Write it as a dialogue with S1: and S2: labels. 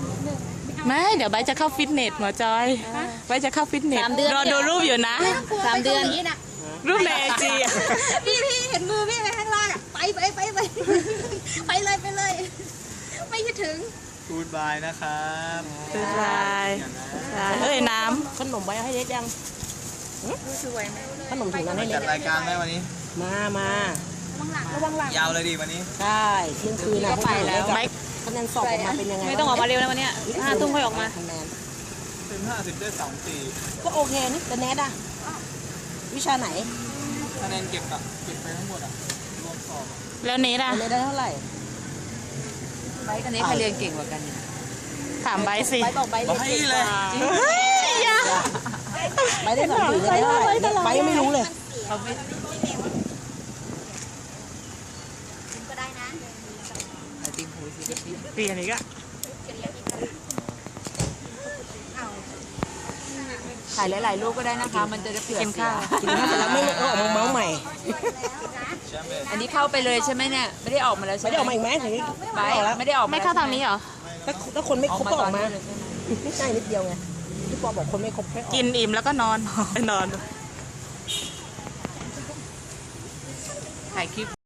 S1: ไม่เดี๋ยวใบจะเข้าฟิตเนสหมอจอยใบจะเข้าฟิตเนสรอดูรูปอยู่นะ
S2: 3 เดือน
S1: รูปในไอจี
S2: พี่เห็นมือพี่ไปข้างล่างอ่ะไปเลยไม่คิดถึง
S3: กูดบายนะครับ
S1: บ๊ายบายเอ้ยน้ำ
S4: ขนมไว้ให้เล็กยัง
S2: สวยไหม
S4: ขนมถุงนั้นให้เล็
S3: จั
S4: ก
S3: ดรายการไหมวันนี้
S4: มา
S2: ระวังหลัง
S3: ยาวเลยดิวันนี้
S4: ใช่เที่ยงคืนนะไปแล้วคะแนนสอบออกมาเป็นยังไง
S2: ไม่ต้องออกมาเร็วนะวันนี้5 ทุ่มค่อยออกมา
S4: คะแนน
S3: ถึง50ได้2 4
S4: ก็โอเคนี่แต่แนทอะวิชาไหน
S3: คะแนนเก็บไปทั้งหมดรวมสอบ
S1: แล้วเนทอะ
S4: คะแนนได้เท่าไหร่
S2: ไบค์กันนี้ใครเรียนเก่งกว่ากันเนี่ย
S1: ถามใบสิ
S4: ไปบอกใบเรียนเก่งกว่า
S1: เฮ้ยอย่า
S4: ใบได้2 ปีได้เท่าไหร่ใบยังไม่รู้เลย
S2: เขาไม่ก็ได้นะติมหูสิ
S1: เปลี่ยนอีกอะ
S2: ถ่ายหลายๆรูปก็ได้นะคะมันจะได้เผื่อ
S1: กินข้าว
S4: กินข้าวเสร็จแล้วไม่ออกมาเมาส์ใหม่
S2: อันนี้เข้าไปเลยใช่ไหมเนี่ยไม่ได้ออกมาแล้วใช่
S4: ไม่
S2: ไหม
S4: ได้ออกมาอีกไหมถึง
S2: ไบค์ไม่ได้ออกมา
S1: ไม่เข้าทางนี้เหรอ
S4: ถ้าคนไม่ครบก็ออกมาไม่ใช่นิดเดียวไงพี่ปอบอกคนไม่ครบแค่ออก
S1: กินอิ่มแล้วก็นอนไปนอน
S2: ถ่ายคลิป